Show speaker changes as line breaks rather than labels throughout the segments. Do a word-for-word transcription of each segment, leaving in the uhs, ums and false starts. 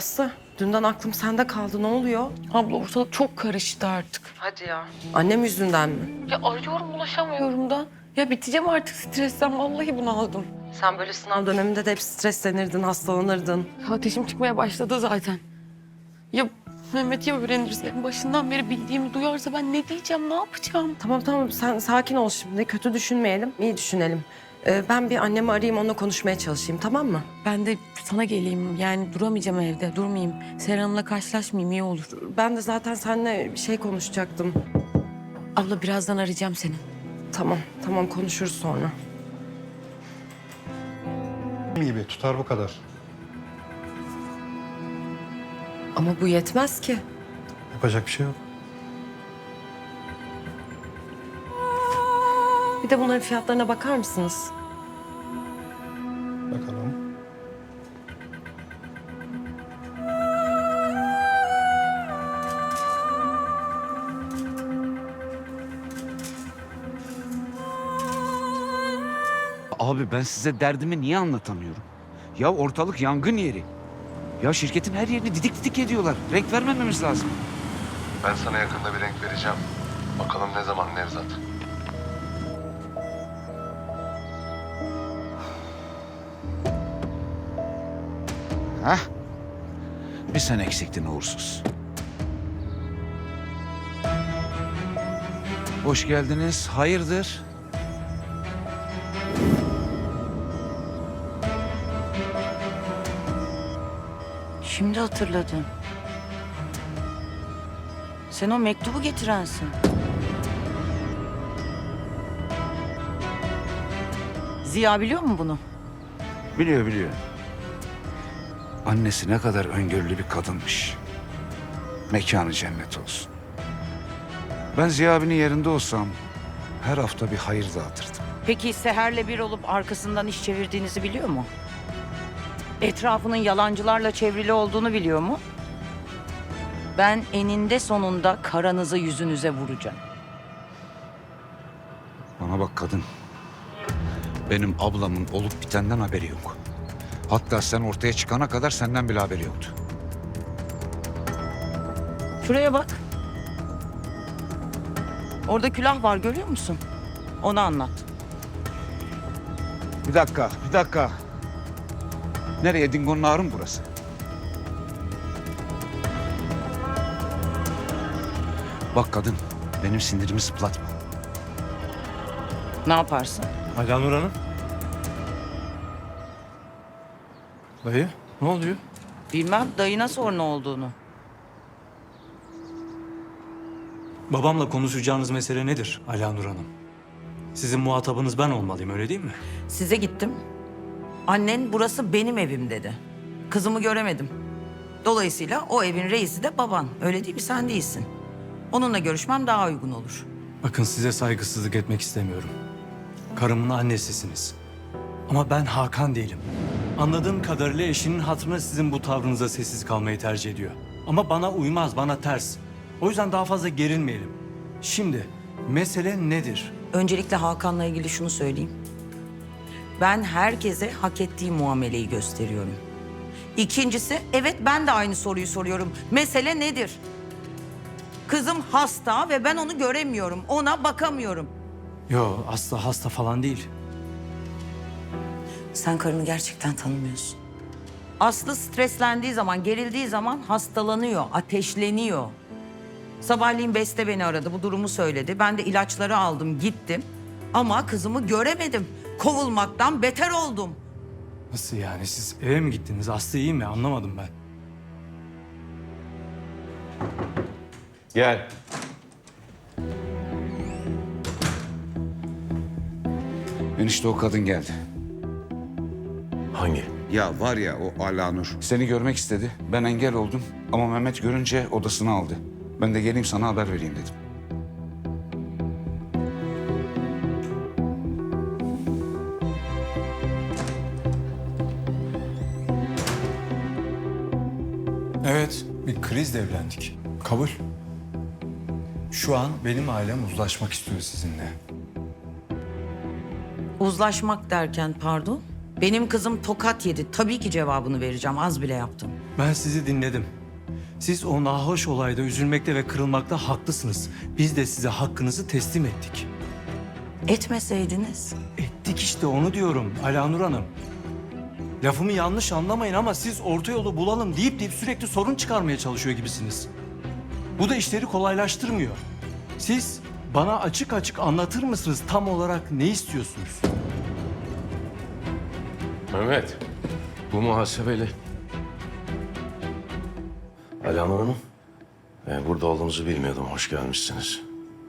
Aslı, dünden aklım sende kaldı. Ne oluyor?
Abla ortalık çok karıştı artık.
Hadi ya. Annem yüzünden mi?
Ya arıyorum ulaşamıyorum da. Ya biteceğim artık stresten. Vallahi bunaldım.
Sen böyle sınav döneminde de hep streslenirdin, hastalanırdın.
Ateşim çıkmaya başladı zaten. Ya Mehmet ya öğrenirse, en başından beri bildiğimi duyarsa ben ne diyeceğim, ne yapacağım?
Tamam tamam, sen sakin ol şimdi. Kötü düşünmeyelim, iyi düşünelim. Ee, ben bir annemi arayayım, onunla konuşmaya çalışayım, tamam mı?
Ben de sana geleyim. Yani duramayacağım evde, durmayayım. Serhan'la karşılaşmayayım, iyi olur.
Ben de zaten seninle bir şey konuşacaktım.
Abla birazdan arayacağım seni.
Tamam, tamam konuşuruz sonra.
gibi tutar bu kadar.
Ama bu yetmez ki.
Yapacak bir şey yok.
Bir de bunların fiyatlarına bakar mısınız?
Bakalım.
Abi ben size derdimi niye anlatamıyorum? Ya ortalık yangın yeri. Ya şirketin her yerini didik didik ediyorlar. Renk vermememiz lazım.
Ben sana yakında bir renk vereceğim. Bakalım ne zaman Nevzat.
Hah. Bir sen eksiktin uğursuz. Hoş geldiniz. Hayırdır?
Şimdi hatırladım. Sen o mektubu getirensin. Ziya biliyor mu bunu?
Biliyor biliyor. Annesi ne kadar öngörülü bir kadınmış. Mekanı cennet olsun. Ben Ziya abinin yerinde olsam her hafta bir hayır dağıtırdım.
Peki Seher'le bir olup arkasından iş çevirdiğinizi biliyor mu? Etrafının yalancılarla çevrili olduğunu biliyor mu? Ben eninde sonunda karanızı yüzünüze vuracağım.
Bana bak kadın. Benim ablamın olup bitenden haberi yok. Hatta sen ortaya çıkana kadar senden bile haberi yoktu.
Şuraya bak. Orada külah var, görüyor musun? Onu anlat.
Bir dakika, bir dakika. Nereye? Dingo'nun ağrı mı burası? Bak kadın, benim sinirimi zıplatma.
Ne yaparsın?
Alanur Hanım. Dayı ne oluyor?
Bilmem, dayına sor ne olduğunu.
Babamla konuşacağınız mesele nedir Alanur Hanım? Sizin muhatabınız ben olmalıyım, öyle değil mi?
Size gittim. Annen burası benim evim dedi. Kızımı göremedim. Dolayısıyla o evin reisi de baban. Öyle değil mi? Sen değilsin. Onunla görüşmem daha uygun olur.
Bakın, size saygısızlık etmek istemiyorum. Karımın annesisiniz. Ama ben Hakan değilim. Anladığım kadarıyla eşinin hatırına sizin bu tavrınıza sessiz kalmayı tercih ediyor. Ama bana uymaz, bana ters. O yüzden daha fazla gerilmeyelim. Şimdi mesele nedir?
Öncelikle Hakan'la ilgili şunu söyleyeyim. Ben herkese hak ettiği muameleyi gösteriyorum. İkincisi, evet ben de aynı soruyu soruyorum. Mesele nedir? Kızım hasta ve ben onu göremiyorum. Ona bakamıyorum.
Yo, asla hasta falan değil.
Sen karını gerçekten tanımıyorsun. Aslı streslendiği zaman, gerildiği zaman hastalanıyor, ateşleniyor. Sabahleyin Beste beni aradı, bu durumu söyledi. Ben de ilaçları aldım, gittim. Ama kızımı göremedim. Kovulmaktan beter oldum.
Nasıl yani? Siz eve mi gittiniz? Aslı iyi mi? Anlamadım ben.
Gel. Enişte o kadın geldi.
Hangi?
Ya var ya o Alanur. Seni görmek istedi. Ben engel oldum. Ama Mehmet görünce odasına aldı. Ben de geleyim sana haber vereyim dedim.
Evet, bir krizle evlendik. Kabul. Şu an benim ailem uzlaşmak istiyor sizinle.
Uzlaşmak derken pardon? Benim kızım tokat yedi. Tabii ki cevabını vereceğim. Az bile yaptım.
Ben sizi dinledim. Siz o nahoş olayda üzülmekte ve kırılmakta haklısınız. Biz de size hakkınızı teslim ettik.
Etmeseydiniz.
Ettik işte, onu diyorum Alanur Hanım. Lafımı yanlış anlamayın ama siz orta yolu bulalım deyip deyip sürekli sorun çıkarmaya çalışıyor gibisiniz. Bu da işleri kolaylaştırmıyor. Siz bana açık açık anlatır mısınız tam olarak ne istiyorsunuz?
Mehmet, bu muhasebeli. Alanur Hanım, e, burada olduğunuzu bilmiyordum. Hoş gelmişsiniz.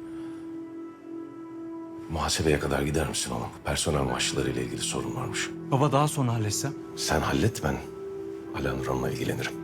Muhasebeye kadar gider misin oğlum? Personel maaşları ile ilgili sorun varmış.
Baba daha sonra halletsem.
Sen hallet, ben Alanur Hanım'la ilgilenirim.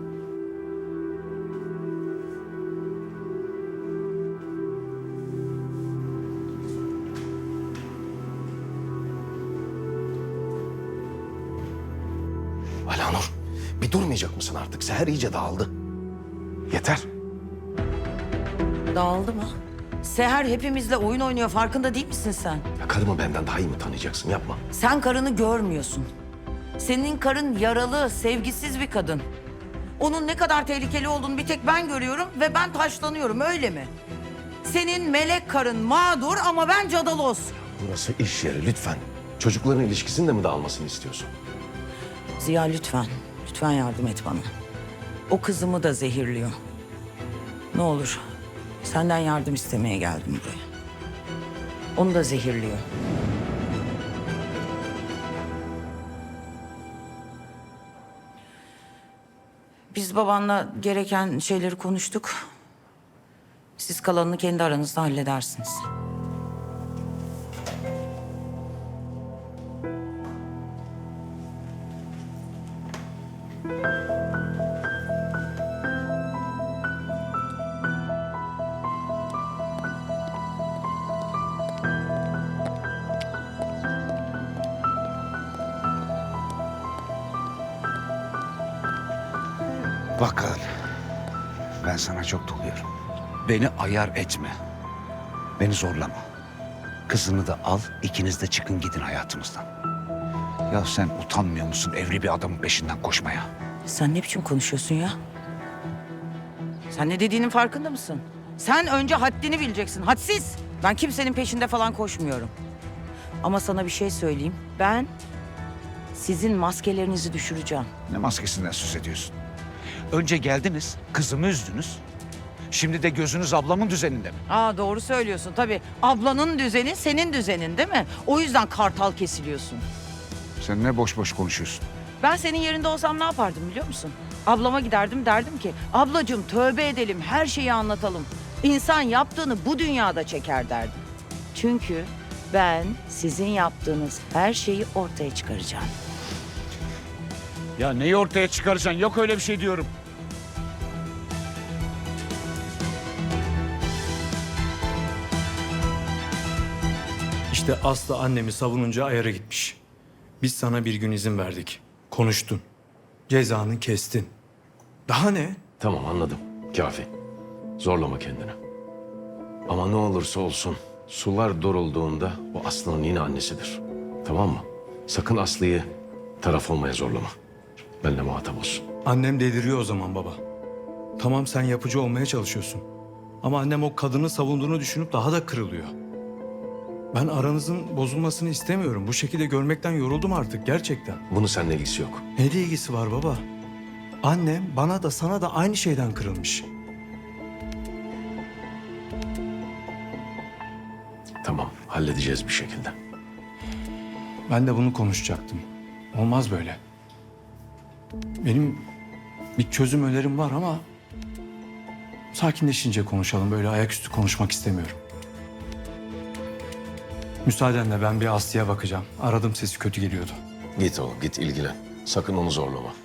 Alanur, bir durmayacak mısın artık? Seher iyice dağıldı. Yeter.
Dağıldı mı? Seher hepimizle oyun oynuyor, farkında değil misin sen?
Ya karımı benden daha iyi mi tanıyacaksın? Yapma.
Sen karını görmüyorsun. Senin karın yaralı, sevgisiz bir kadın. Onun ne kadar tehlikeli olduğunu bir tek ben görüyorum ve ben taşlanıyorum, öyle mi? Senin melek karın mağdur ama ben Cadalos.
Burası iş yeri, lütfen. Çocukların ilişkisinin de mi dağılmasını istiyorsun?
Ziya lütfen, lütfen yardım et bana. O kızımı da zehirliyor. Ne olur, senden yardım istemeye geldim buraya. Onu da zehirliyor. Biz babanla gereken şeyleri konuştuk. Siz kalanını kendi aranızda halledersiniz.
Bakın, ben sana çok doluyorum. Beni ayar etme. Beni zorlama. Kızını da al, ikiniz de çıkın gidin hayatımızdan. Ya sen utanmıyor musun evli bir adamın peşinden koşmaya?
Sen ne biçim konuşuyorsun ya? Sen ne dediğinin farkında mısın? Sen önce haddini bileceksin, hadsiz. Ben kimsenin peşinde falan koşmuyorum. Ama sana bir şey söyleyeyim. Ben sizin maskelerinizi düşüreceğim.
Ne maskesinden söz ediyorsun? Önce geldiniz, kızımı üzdünüz. Şimdi de gözünüz ablamın düzeninde mi?
Aa doğru söylüyorsun tabii. Ablanın düzeni senin düzenin değil mi? O yüzden kartal kesiliyorsun.
Sen ne boş boş konuşuyorsun?
Ben senin yerinde olsam ne yapardım biliyor musun? Ablama giderdim, derdim ki ablacığım tövbe edelim, her şeyi anlatalım. İnsan yaptığını bu dünyada çeker derdim. Çünkü ben sizin yaptığınız her şeyi ortaya çıkaracağım.
Ya neyi ortaya çıkaracaksın? Yok öyle bir şey diyorum.
İşte Aslı annemi savununca ayara gitmiş. Biz sana bir gün izin verdik. Konuştun. Cezanı kestin. Daha ne?
Tamam, anladım. Kafi. Zorlama kendini. Ama ne olursa olsun sular durulduğunda o Aslı'nın yine annesidir. Tamam mı? Sakın Aslı'yı taraf olmaya zorlama. Benimle muhatap olsun.
Annem deliriyor o zaman baba. Tamam, sen yapıcı olmaya çalışıyorsun. Ama annem o kadını savunduğunu düşünüp daha da kırılıyor. Ben aranızın bozulmasını istemiyorum. Bu şekilde görmekten yoruldum artık gerçekten.
Bunun seninle ilgisi yok.
Ne de ilgisi var baba? Annem bana da sana da aynı şeyden kırılmış.
Tamam, halledeceğiz bir şekilde.
Ben de bunu konuşacaktım. Olmaz böyle. Benim bir çözüm önerim var ama sakinleşince konuşalım. Böyle ayaküstü konuşmak istemiyorum. Müsaadenle ben bir Aslı'ya bakacağım. Aradım, sesi kötü geliyordu.
Git oğlum, git ilgilen. Sakın onu zorlama.